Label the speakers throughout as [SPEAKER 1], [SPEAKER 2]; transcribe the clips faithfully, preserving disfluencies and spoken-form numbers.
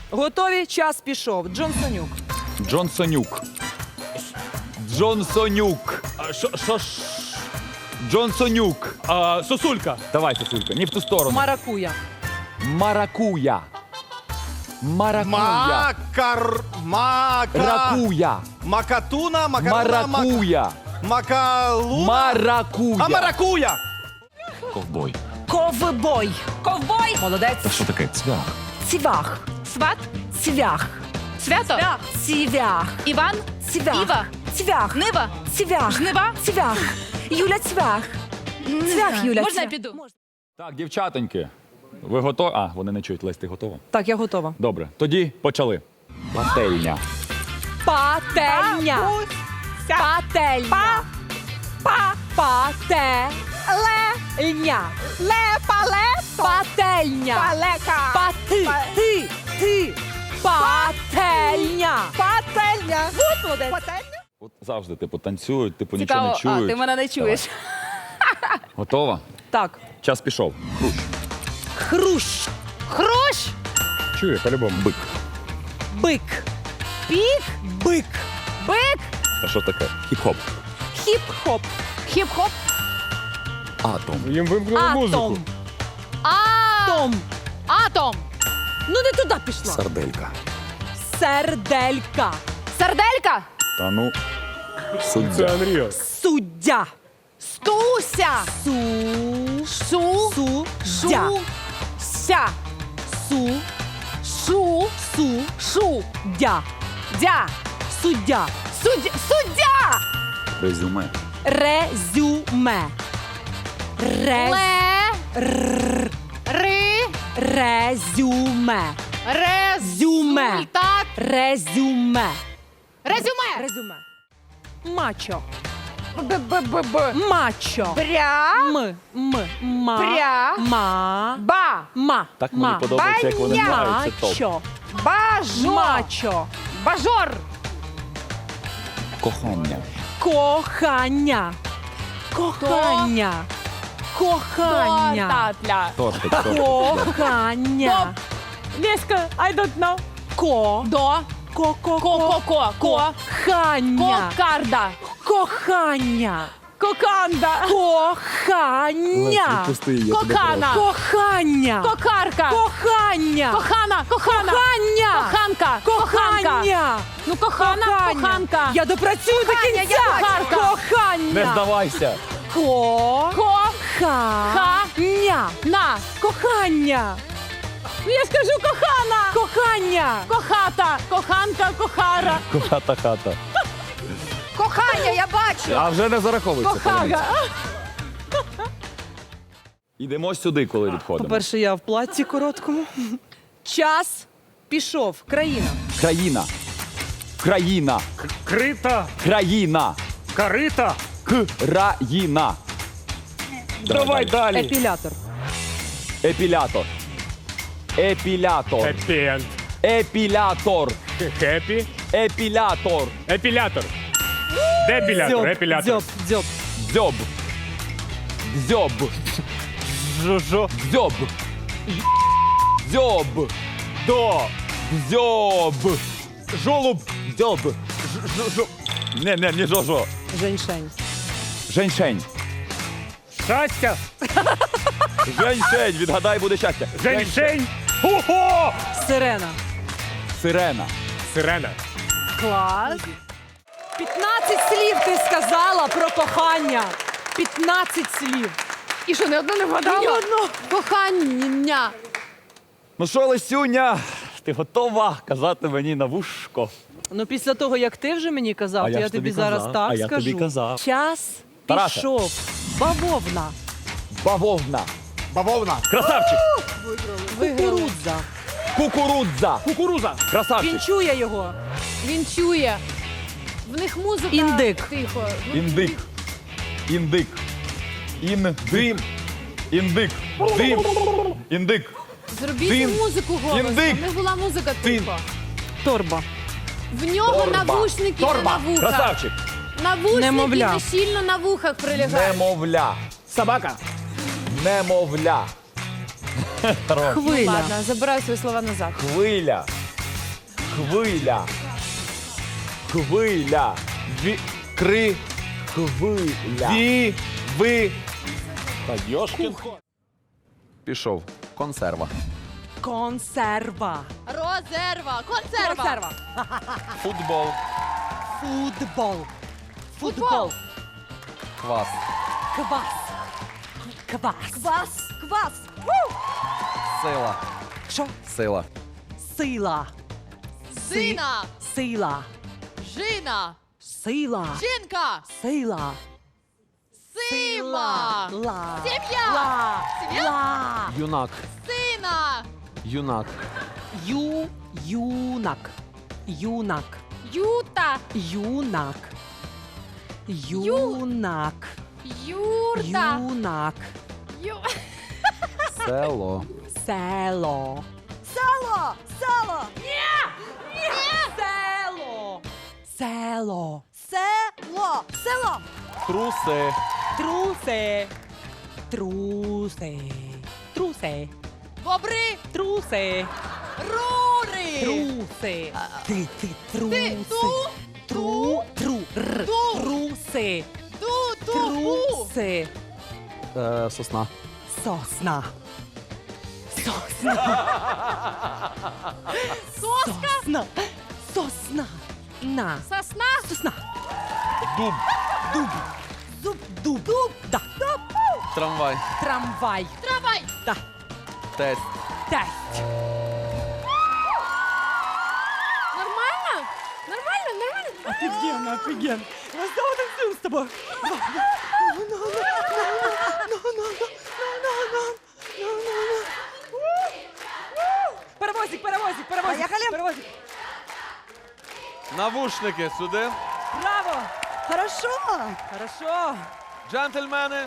[SPEAKER 1] Готові? Час пішов. Джонсонюк.
[SPEAKER 2] Джонсонюк. Джонсонюк.
[SPEAKER 3] А, Що, що ж?
[SPEAKER 2] Джонсонюк.
[SPEAKER 3] А, Сосулька.
[SPEAKER 2] Давай, Сосулька, не в ту сторону.
[SPEAKER 1] Маракуя.
[SPEAKER 2] Маракуя. Маракуя.
[SPEAKER 4] Макар... Мака...
[SPEAKER 2] Ракуя.
[SPEAKER 4] Макатуна, макаруна,
[SPEAKER 2] Маракуя.
[SPEAKER 4] Макалуна.
[SPEAKER 2] Маракуя.
[SPEAKER 4] А маракуя!
[SPEAKER 2] Ковбой.
[SPEAKER 1] Ковбой. Ковбой. Молодець.
[SPEAKER 2] Що таке? Цвях.
[SPEAKER 1] Цвях.
[SPEAKER 5] Сват,
[SPEAKER 1] Цвях.
[SPEAKER 5] свято,
[SPEAKER 1] Цвях.
[SPEAKER 5] Іван,
[SPEAKER 1] Цвях.
[SPEAKER 5] Іва,
[SPEAKER 1] Цвях.
[SPEAKER 5] Нива,
[SPEAKER 1] Цвях.
[SPEAKER 5] Жнива.
[SPEAKER 1] Цвях. Юля Цвях. Цвях, Юля.
[SPEAKER 5] Можна я
[SPEAKER 1] Цвях.
[SPEAKER 5] піду?
[SPEAKER 2] Так, дівчатоньки. Ви готові? А, вони не чують. Лесь, ти готова?
[SPEAKER 1] Так, я готова.
[SPEAKER 2] Добре. Тоді почали. Пательня.
[SPEAKER 1] Пательня. Пательня. Па. Пательня. Лепа-лепа. Пательня. Палека. Пати. Ти. Ти. Пательня. Пательня. Вот молодець.
[SPEAKER 2] От завжди, типу, танцюють, типу,
[SPEAKER 5] Цікаво,
[SPEAKER 2] нічого не
[SPEAKER 5] а,
[SPEAKER 2] чують.
[SPEAKER 5] ти мене не чуєш.
[SPEAKER 2] Готова?
[SPEAKER 1] Так.
[SPEAKER 2] Час пішов. Хрущ.
[SPEAKER 1] Хрущ.
[SPEAKER 5] Хрущ,
[SPEAKER 2] Чує, по-любому. Бик.
[SPEAKER 1] Бик.
[SPEAKER 5] пік,
[SPEAKER 1] Бик.
[SPEAKER 5] бик,
[SPEAKER 2] А що таке? Хіп-хоп.
[SPEAKER 1] Хіп-хоп.
[SPEAKER 5] хіп-хоп,
[SPEAKER 2] Атом.
[SPEAKER 3] Їм вимкнули музику.
[SPEAKER 1] Атом.
[SPEAKER 5] а,
[SPEAKER 1] Том.
[SPEAKER 5] атом,
[SPEAKER 1] Ну не туди пішла.
[SPEAKER 2] Сарделька.
[SPEAKER 1] Серделька.
[SPEAKER 5] сарделька,
[SPEAKER 2] Та ну.
[SPEAKER 3] Це
[SPEAKER 2] Суддя.
[SPEAKER 3] Unreal.
[SPEAKER 1] Суддя.
[SPEAKER 5] стуся,
[SPEAKER 1] Су.
[SPEAKER 5] шу,
[SPEAKER 1] Су.
[SPEAKER 5] шу,
[SPEAKER 1] Дя.
[SPEAKER 5] ся,
[SPEAKER 1] Су.
[SPEAKER 5] шу,
[SPEAKER 1] Су.
[SPEAKER 5] шу,
[SPEAKER 1] Дя.
[SPEAKER 5] дя,
[SPEAKER 1] Суддя.
[SPEAKER 5] суддя, суддя,
[SPEAKER 2] Резюме.
[SPEAKER 1] Резюме. Рез.
[SPEAKER 5] ле, ри,
[SPEAKER 1] Резюме. Зюме.
[SPEAKER 5] результат,
[SPEAKER 1] Резюме.
[SPEAKER 5] резюме,
[SPEAKER 1] Резюме. Мачо.
[SPEAKER 5] б-б-б-б,
[SPEAKER 1] Мачо.
[SPEAKER 5] бря,
[SPEAKER 1] М. М. Ма.
[SPEAKER 5] Пря.
[SPEAKER 1] Ма.
[SPEAKER 5] ба,
[SPEAKER 1] Ма.
[SPEAKER 2] Так мені
[SPEAKER 1] Ма.
[SPEAKER 2] подобається, як вони
[SPEAKER 5] Баня.
[SPEAKER 2] грають. Це топ.
[SPEAKER 1] Мачо.
[SPEAKER 5] бажо,
[SPEAKER 1] Мачо.
[SPEAKER 5] бажор,
[SPEAKER 2] Кохання.
[SPEAKER 1] Кохання. Кохання. Кохання.
[SPEAKER 5] татля,
[SPEAKER 2] Тортик, тортик.
[SPEAKER 1] Кохання.
[SPEAKER 5] Леська, I don't know,
[SPEAKER 1] Ко.
[SPEAKER 5] до,
[SPEAKER 1] Ко. Ко.
[SPEAKER 5] ко, ко, ко, ко,
[SPEAKER 1] Кохання.
[SPEAKER 5] кокарда,
[SPEAKER 1] Кохання.
[SPEAKER 5] коканда,
[SPEAKER 1] Кохання.
[SPEAKER 2] Пусти її, я тебе
[SPEAKER 5] кокана,
[SPEAKER 1] Кохання.
[SPEAKER 5] кокарка,
[SPEAKER 1] Кохання.
[SPEAKER 5] кохана, кохана,
[SPEAKER 1] Кохання.
[SPEAKER 5] коханка, коханка,
[SPEAKER 1] Кохання.
[SPEAKER 5] ну кохана, коханка,
[SPEAKER 1] Я допрацюю до
[SPEAKER 5] Кохання,
[SPEAKER 1] кінця.
[SPEAKER 5] я коханка.
[SPEAKER 1] Кохання.
[SPEAKER 2] Не здавайся.
[SPEAKER 1] Ко.
[SPEAKER 5] ко,
[SPEAKER 1] Ха.
[SPEAKER 5] Ха.
[SPEAKER 1] Ня.
[SPEAKER 5] на,
[SPEAKER 1] Кохання.
[SPEAKER 5] ну я скажу кохана,
[SPEAKER 1] Кохання.
[SPEAKER 5] кохата, коханка, кохара,
[SPEAKER 2] Хата хата.
[SPEAKER 5] кохання, я бачу,
[SPEAKER 2] А вже не зараховується.
[SPEAKER 5] кохага,
[SPEAKER 2] Йдемо сюди, коли відходимо.
[SPEAKER 1] По-перше, я в платці короткому. Час пішов. Країна.
[SPEAKER 2] Країна. Країна.
[SPEAKER 3] Крита,
[SPEAKER 2] Країна.
[SPEAKER 3] карита.
[SPEAKER 2] Країна.
[SPEAKER 3] Давай далі.
[SPEAKER 1] Епілятор.
[SPEAKER 2] Епілятор. Епілятор.
[SPEAKER 3] Хеппі-енд.
[SPEAKER 2] Епілятор.
[SPEAKER 3] Хеппі.
[SPEAKER 2] Епілятор.
[SPEAKER 3] Епілятор. Депілятор, епілятор.
[SPEAKER 1] Дзьоб. Дзьоб.
[SPEAKER 2] Дзьоб. Дзьоб.
[SPEAKER 3] Жо-жо.
[SPEAKER 2] Дзьоб. Дзьоб.
[SPEAKER 3] До.
[SPEAKER 2] Дзьоб.
[SPEAKER 3] Жолуб.
[SPEAKER 2] Дзьоб. Жо-жо. Не, не, не жо-жо.
[SPEAKER 1] Женьшень.
[SPEAKER 2] Женьшень.
[SPEAKER 3] Щастя.
[SPEAKER 2] Женьшень. Відгадай, буде щастя.
[SPEAKER 3] Женьшень. Ого!
[SPEAKER 1] Сирена.
[SPEAKER 2] Сирена.
[SPEAKER 3] Сирена.
[SPEAKER 1] Клас. п'ятнадцять слів ти сказала про кохання. п'ятнадцять слів.
[SPEAKER 5] і що, не одну не
[SPEAKER 1] Ні
[SPEAKER 5] вгадала?
[SPEAKER 1] одного.
[SPEAKER 5] Кохання,
[SPEAKER 2] Ну що, Лесюня, ти готова казати мені на вушко?
[SPEAKER 1] Ну, після того, як ти вже мені казав,
[SPEAKER 2] А
[SPEAKER 1] то
[SPEAKER 2] я
[SPEAKER 1] я
[SPEAKER 2] ж
[SPEAKER 1] тобі
[SPEAKER 2] тобі
[SPEAKER 1] зараз
[SPEAKER 2] казав,
[SPEAKER 1] так
[SPEAKER 2] а я
[SPEAKER 1] скажу.
[SPEAKER 2] тобі казав.
[SPEAKER 1] Час
[SPEAKER 2] Тарасе.
[SPEAKER 1] пішов. Бавовна.
[SPEAKER 2] Бавовна.
[SPEAKER 4] Бавовна.
[SPEAKER 2] Красавчик.
[SPEAKER 1] Кукурудза.
[SPEAKER 2] Кукурудза.
[SPEAKER 3] Кукуруза.
[SPEAKER 2] Красавчик.
[SPEAKER 1] Він чує його.
[SPEAKER 5] він чує, в них музика,
[SPEAKER 1] Індик.
[SPEAKER 5] тихо, ну,
[SPEAKER 2] Індик. Індик. Індим. Індик. Дим. Індик.
[SPEAKER 5] зробіть
[SPEAKER 2] Тин.
[SPEAKER 5] музику голосно,
[SPEAKER 2] Індик.
[SPEAKER 5] в них була музика
[SPEAKER 2] Тин.
[SPEAKER 5] тихо,
[SPEAKER 1] Торба.
[SPEAKER 5] в нього
[SPEAKER 2] Торба.
[SPEAKER 5] навушники
[SPEAKER 2] Торба.
[SPEAKER 5] на вухах,
[SPEAKER 2] Красавчик.
[SPEAKER 5] навушники
[SPEAKER 1] Немовля.
[SPEAKER 5] не щільно на вухах прилягають,
[SPEAKER 2] Немовля.
[SPEAKER 3] Собака.
[SPEAKER 2] Немовля.
[SPEAKER 1] Хвиля.
[SPEAKER 5] Ладно, забираю свої слова назад.
[SPEAKER 2] Хвиля. Хвиля. Хвиля.
[SPEAKER 4] Ві... Кри...
[SPEAKER 2] Хвиля.
[SPEAKER 4] Ві... Ви...
[SPEAKER 2] Та йошкін. Пішов. Консерва.
[SPEAKER 1] Консерва.
[SPEAKER 5] Розерва. Консерва.
[SPEAKER 1] Консерва.
[SPEAKER 2] Футбол.
[SPEAKER 1] Футбол.
[SPEAKER 5] Футбол.
[SPEAKER 1] Футбол.
[SPEAKER 2] Квас.
[SPEAKER 1] Квас. Квас. Квас. Квас. Ву!
[SPEAKER 2] Сила.
[SPEAKER 1] Що?
[SPEAKER 2] Сила.
[SPEAKER 1] Сила.
[SPEAKER 5] Сина.
[SPEAKER 1] Сила.
[SPEAKER 5] Жина.
[SPEAKER 1] Сила.
[SPEAKER 5] Жінка.
[SPEAKER 1] Сила.
[SPEAKER 5] Сила.
[SPEAKER 1] Ла.
[SPEAKER 5] Сім'я.
[SPEAKER 1] Ла.
[SPEAKER 5] Сім'я.
[SPEAKER 1] Ла.
[SPEAKER 2] Юнак.
[SPEAKER 5] Сина.
[SPEAKER 2] Юнак.
[SPEAKER 1] Ю. Юнак. Юнак.
[SPEAKER 5] Юта.
[SPEAKER 1] Юнак. Юнак.
[SPEAKER 5] Юрта.
[SPEAKER 1] Юнак.
[SPEAKER 5] Ю...
[SPEAKER 2] Село.
[SPEAKER 1] Село. Село. Село. Ні. Ні. Село. Село. Село. Село.
[SPEAKER 2] Труси.
[SPEAKER 1] Труси. Труси. Труси.
[SPEAKER 5] Бобри.
[SPEAKER 1] Труси.
[SPEAKER 5] Рури.
[SPEAKER 1] Труси. Ти, ти, труси.
[SPEAKER 5] ту,
[SPEAKER 1] Тру, тру, р.
[SPEAKER 5] ту.
[SPEAKER 1] Труси.
[SPEAKER 5] Ту, ту, ту.
[SPEAKER 1] Труси.
[SPEAKER 2] Е, сосна.
[SPEAKER 1] Сосна. Сосна.
[SPEAKER 5] Соска.
[SPEAKER 1] Сосна. Сосна. На.
[SPEAKER 5] Сосна.
[SPEAKER 1] Сосна.
[SPEAKER 2] Дуб.
[SPEAKER 1] Дуб. Зуб. Дуб. Дуб. Да. Дуб.
[SPEAKER 2] Трамвай.
[SPEAKER 1] Трамвай.
[SPEAKER 5] Трамвай.
[SPEAKER 1] Да.
[SPEAKER 2] Тесть.
[SPEAKER 1] Тесть.
[SPEAKER 5] Нормально? Нормально, нормально.
[SPEAKER 1] Офигенно, офигенно. Я снова танцуем с тобой. Паровозик, паровозик, паровозик. Поехали. Паровозик.
[SPEAKER 2] Навушники сюди.
[SPEAKER 1] Браво. Хорошо. Хорошо.
[SPEAKER 2] Джентльмени.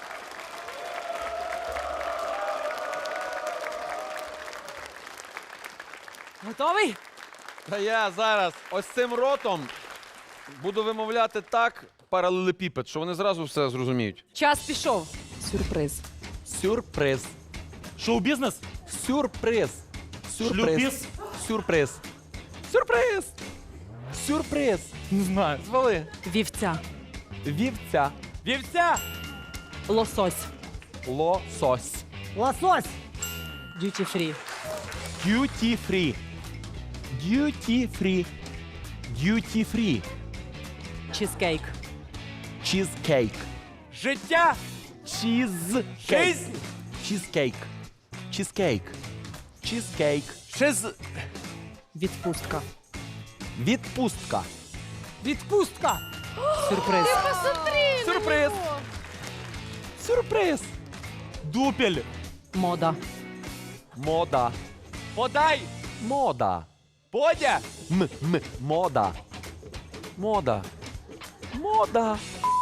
[SPEAKER 1] Готовий?
[SPEAKER 2] Та я зараз ось цим ротом буду вимовляти так паралелепіпед, що вони зразу все зрозуміють.
[SPEAKER 1] Час пішов. Сюрприз.
[SPEAKER 2] Сюрприз.
[SPEAKER 3] Шоу-бізнес?
[SPEAKER 2] Сюрприз.
[SPEAKER 3] Шлюпіс?
[SPEAKER 2] Сюрприз. Сюрприз. Сюрприз.
[SPEAKER 3] Не знаю.
[SPEAKER 2] Звали.
[SPEAKER 1] Вівця.
[SPEAKER 2] Вівця.
[SPEAKER 3] Вівця?
[SPEAKER 1] Лосось.
[SPEAKER 2] Лосось.
[SPEAKER 1] Лосось. Дюті фрі.
[SPEAKER 2] Duty free. Duty free. Duty free.
[SPEAKER 1] Чизкейк.
[SPEAKER 2] Cheesecake.
[SPEAKER 3] Життя?
[SPEAKER 2] Cheesecake.
[SPEAKER 3] Жизнь?
[SPEAKER 2] Cheesecake. Cheesecake. Cheesecake.
[SPEAKER 3] Шиз...
[SPEAKER 1] Відпустка.
[SPEAKER 2] Відпустка.
[SPEAKER 1] Відпустка. Сюрприз.
[SPEAKER 5] Посмотри на
[SPEAKER 2] Сюрприз.
[SPEAKER 5] него.
[SPEAKER 2] Сюрприз.
[SPEAKER 3] Дупель.
[SPEAKER 1] Мода.
[SPEAKER 2] Мода.
[SPEAKER 3] Подай.
[SPEAKER 2] Мода.
[SPEAKER 3] Подя.
[SPEAKER 2] М, м, мода. Мода. Мода.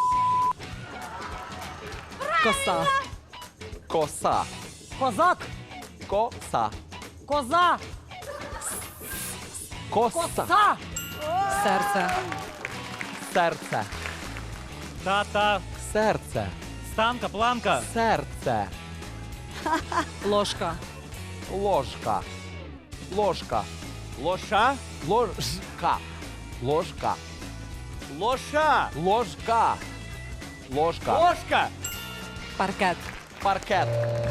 [SPEAKER 1] Коса.
[SPEAKER 2] Коса.
[SPEAKER 1] Козак.
[SPEAKER 2] Коса.
[SPEAKER 1] Коза.
[SPEAKER 2] Коса.
[SPEAKER 1] Серце.
[SPEAKER 2] Серце.
[SPEAKER 3] Тата.
[SPEAKER 2] Серце.
[SPEAKER 3] Станка, планка.
[SPEAKER 2] Серце.
[SPEAKER 1] Ложка.
[SPEAKER 2] Ложка. Ложка.
[SPEAKER 3] Лоша.
[SPEAKER 2] Ложка. Ложка.
[SPEAKER 3] Лоша.
[SPEAKER 2] Ложка. Ложка.
[SPEAKER 3] Ложка.
[SPEAKER 1] Паркет.
[SPEAKER 2] Паркет.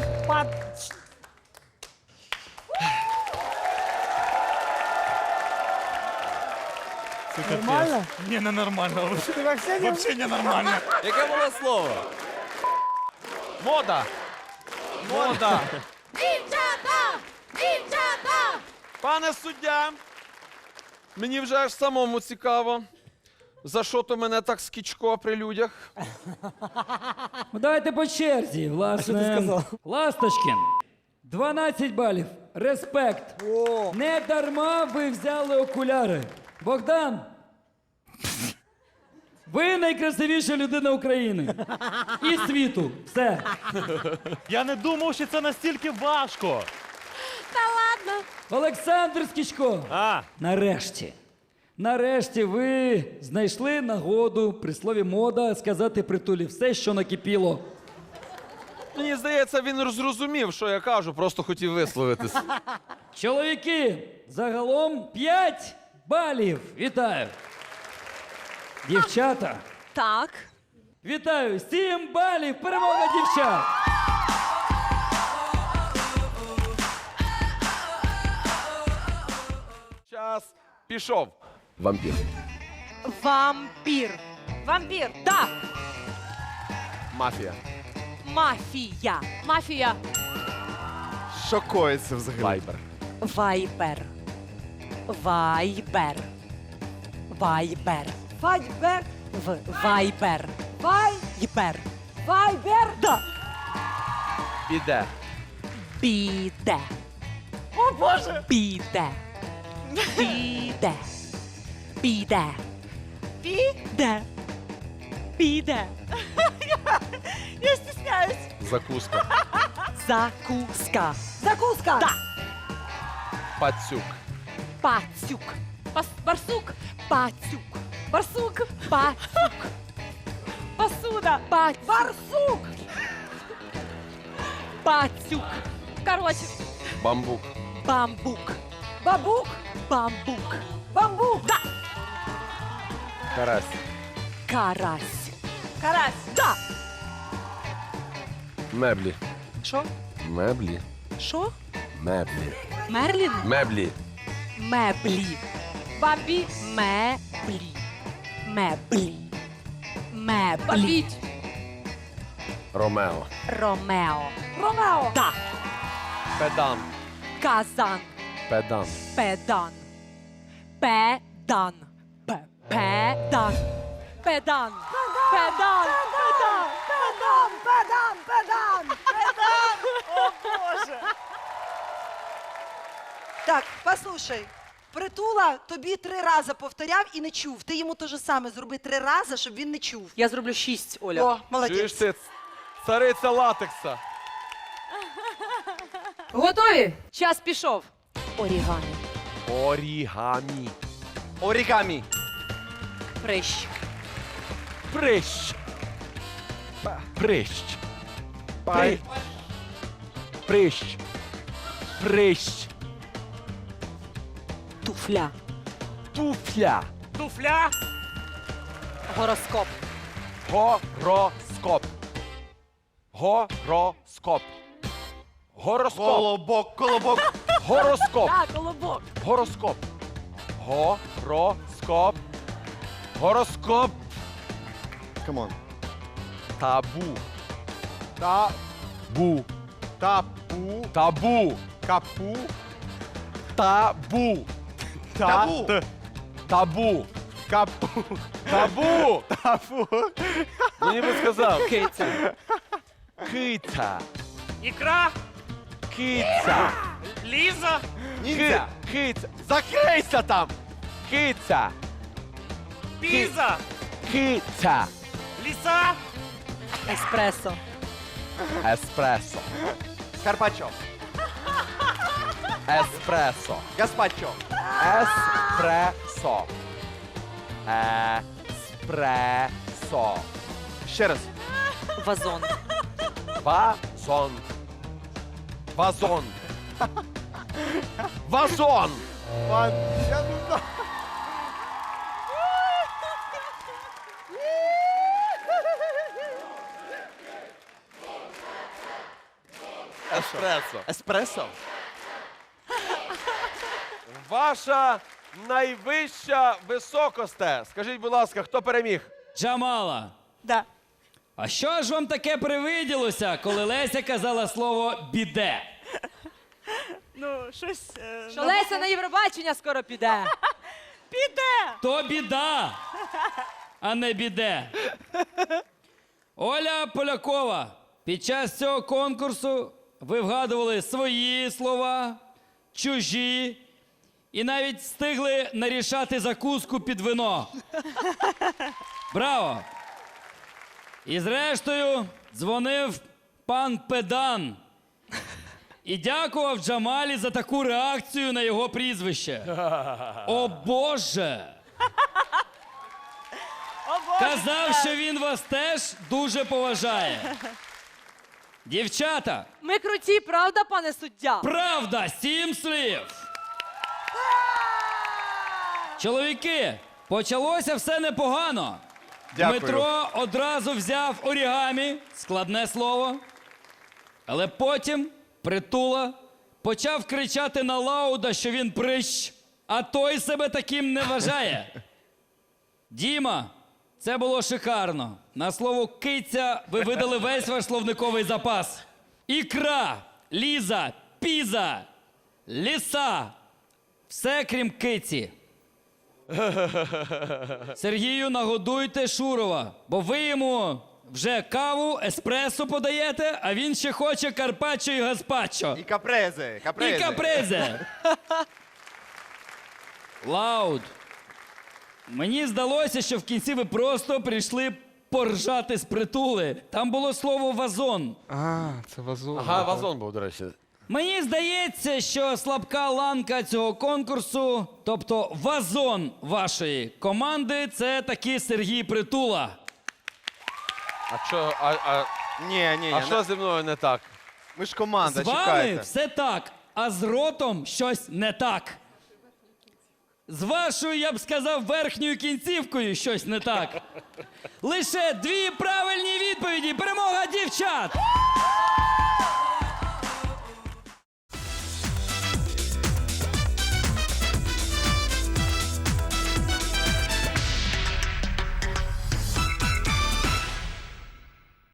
[SPEAKER 3] Нормально? Не, не нормально. Вообще не нормально.
[SPEAKER 2] Яке було слово? Мода. Мода.
[SPEAKER 5] Дівчата! Дівчата!
[SPEAKER 2] Пане суддя, мені вже аж самому цікаво, за що то мене так скічко при людях.
[SPEAKER 6] Ну, давайте по черзі, власне. Ласточкін. дванадцять балів. Респект. Не дарма ви взяли окуляри. Богдан. Ви найкрасивіша людина України. І світу. Все.
[SPEAKER 3] Я не думав, що це настільки важко.
[SPEAKER 5] Та ладно.
[SPEAKER 6] Олександр Скічко.
[SPEAKER 3] А,
[SPEAKER 6] Нарешті. Нарешті ви знайшли нагоду при слові мода сказати притулі все, що накипіло.
[SPEAKER 2] Мені здається, він зрозумів, що я кажу, просто хотів висловитись.
[SPEAKER 6] Чоловіки, загалом п'ять балів. Вітаю. Дівчата,
[SPEAKER 1] Так.
[SPEAKER 6] вітаю. Сім балів. Перемога дівчат.
[SPEAKER 2] Час пішов.
[SPEAKER 4] Вампір.
[SPEAKER 1] Вампір. Вампір. Так.
[SPEAKER 4] Мафія.
[SPEAKER 1] Мафія.
[SPEAKER 5] Мафія.
[SPEAKER 4] Що коїться взагалі? Вайбер.
[SPEAKER 1] Вайбер. Вайбер. Вайбер. Вайбер. В. Вайбер. Вайбер. Вайбер. Да.
[SPEAKER 2] Піде.
[SPEAKER 1] Піде. О, Боже! Піде. Піде. Піде. Піде. Піде. Я стісняюсь.
[SPEAKER 2] Закуска.
[SPEAKER 1] Закуска. Закуска. Да.
[SPEAKER 2] Пацюк.
[SPEAKER 1] Пацюк.
[SPEAKER 5] Пас... Барсук.
[SPEAKER 1] Пацюк.
[SPEAKER 5] Барсук.
[SPEAKER 1] Пацюк.
[SPEAKER 5] Посуда.
[SPEAKER 1] Пацюк. Барсук. Пацюк.
[SPEAKER 5] Короче.
[SPEAKER 2] Бамбук.
[SPEAKER 1] Бамбук. Бабук. Бамбук. Бамбук. Да.
[SPEAKER 2] Карась.
[SPEAKER 1] Карась. Карась. Да.
[SPEAKER 2] Меблі.
[SPEAKER 1] Що?
[SPEAKER 2] Меблі.
[SPEAKER 1] Що?
[SPEAKER 2] Меблі.
[SPEAKER 1] Мерлін?
[SPEAKER 2] Меблі.
[SPEAKER 1] Меблі.
[SPEAKER 5] Бабі.
[SPEAKER 1] Меблі. Меблі. Меблі.
[SPEAKER 5] Бабіть.
[SPEAKER 2] Ромео.
[SPEAKER 1] Ромео. Ромео. Да.
[SPEAKER 2] Педан.
[SPEAKER 1] Казан.
[SPEAKER 2] Педан.
[SPEAKER 1] Педан. Педан. Пе- Педан. Педан. Педан. Педан. Педан. Педан. Педан. Педан. О, Боже.
[SPEAKER 7] Так, послухай. Притула тобі три рази повторяв і не чув. Ти йому те ж саме зроби три рази, щоб він не чув.
[SPEAKER 1] Я зроблю шість, Оля.
[SPEAKER 7] О, молодець.
[SPEAKER 2] Чуєш ти, цариця латекса.
[SPEAKER 1] Готові? Час пішов. Орігамі.
[SPEAKER 2] Орігамі.
[SPEAKER 4] Орігамі.
[SPEAKER 1] Прищ.
[SPEAKER 2] Прищ. Прищ.
[SPEAKER 4] Пай.
[SPEAKER 2] Прищ. Прищ.
[SPEAKER 1] Туфля.
[SPEAKER 2] Туфля.
[SPEAKER 3] Туфля.
[SPEAKER 1] Гороскоп.
[SPEAKER 2] Гороскоп. Гороскоп. Гороскоп.
[SPEAKER 4] Колобок, колобок.
[SPEAKER 2] Гороскоп.
[SPEAKER 1] Так, колобок.
[SPEAKER 2] Гороскоп. Гороскоп. Гороскоп.
[SPEAKER 4] Камон.
[SPEAKER 2] Табу.
[SPEAKER 4] Табу.
[SPEAKER 2] Табу.
[SPEAKER 4] Табу.
[SPEAKER 2] Табу.
[SPEAKER 4] Капу.
[SPEAKER 2] Табу.
[SPEAKER 4] Табу.
[SPEAKER 2] Табу.
[SPEAKER 4] Капу.
[SPEAKER 2] Табу.
[SPEAKER 4] Табу.
[SPEAKER 2] Мені би сказав.
[SPEAKER 1] Киця.
[SPEAKER 2] Киця.
[SPEAKER 3] Ікра.
[SPEAKER 2] Киця.
[SPEAKER 3] Ліза.
[SPEAKER 4] Ніндзя.
[SPEAKER 2] Ки- Киця. Закрийся там. Киця.
[SPEAKER 3] Піза.
[SPEAKER 2] Киця.
[SPEAKER 3] Ліса.
[SPEAKER 1] Еспресо.
[SPEAKER 2] Еспресо.
[SPEAKER 4] Карпаччо.
[SPEAKER 2] Еспресо.
[SPEAKER 4] Гаспаччо.
[SPEAKER 2] Еспресо. Еспресо.
[SPEAKER 4] Ще раз.
[SPEAKER 1] Вазон.
[SPEAKER 2] Вазон. Вазон. Вазон.
[SPEAKER 4] Ван. Я не знаю.
[SPEAKER 2] Еспресо.
[SPEAKER 4] Еспресо.
[SPEAKER 2] Ваша найвища високосте. Скажіть, будь ласка, хто переміг?
[SPEAKER 6] Джамала.
[SPEAKER 1] Да.
[SPEAKER 6] А що ж вам таке привиділося, коли Леся казала слово біде?
[SPEAKER 8] Ну, щось. е,
[SPEAKER 1] Що
[SPEAKER 8] на
[SPEAKER 1] Леся
[SPEAKER 8] букву-
[SPEAKER 1] на Євробачення скоро піде.
[SPEAKER 8] Піде!
[SPEAKER 6] То біда, а не біде. Оля Полякова, під час цього конкурсу ви вгадували свої слова, чужі і навіть встигли нарішати закуску під вино. Браво! І зрештою дзвонив пан Педан і дякував Джамалі за таку реакцію на його прізвище. О Боже!
[SPEAKER 8] О, Боже!
[SPEAKER 6] Казав, що він вас теж дуже поважає. Дівчата,
[SPEAKER 5] Ми круті, правда, пане суддя?
[SPEAKER 6] правда, сім слів. Чоловіки, почалося все непогано.
[SPEAKER 4] Дякую.
[SPEAKER 6] Дмитро одразу взяв орігамі, складне слово. Але потім Притула почав кричати на Лауда, що він прищ, а той себе таким не вважає. Діма, це було шикарно. На слово киця ви видали весь ваш словниковий запас. Ікра, ліза, піза, ліса. Все крім киці. Сергію, нагодуйте Шурова, бо ви йому вже каву, еспресо подаєте, а він ще хоче карпаччо і гаспаччо.
[SPEAKER 4] І капрези, капрези.
[SPEAKER 6] І капрезе. Лауд. Мені здалося, що в кінці ви просто прийшли поржати з Притули. Там було слово вазон.
[SPEAKER 2] А, це вазон. Ага, вазон був, до речі.
[SPEAKER 6] Мені здається, що слабка ланка цього конкурсу, тобто вазон вашої команди, це таки Сергій Притула.
[SPEAKER 2] А що, а, а,
[SPEAKER 4] Ні, ні, ні.
[SPEAKER 2] а що зі мною не так?
[SPEAKER 4] Ми ж команда,
[SPEAKER 6] З вами
[SPEAKER 4] чекайте.
[SPEAKER 6] все так, а з ротом щось не так. З вашою, я б сказав, верхньою кінцівкою щось не так. Лише дві правильні відповіді. Перемога дівчат!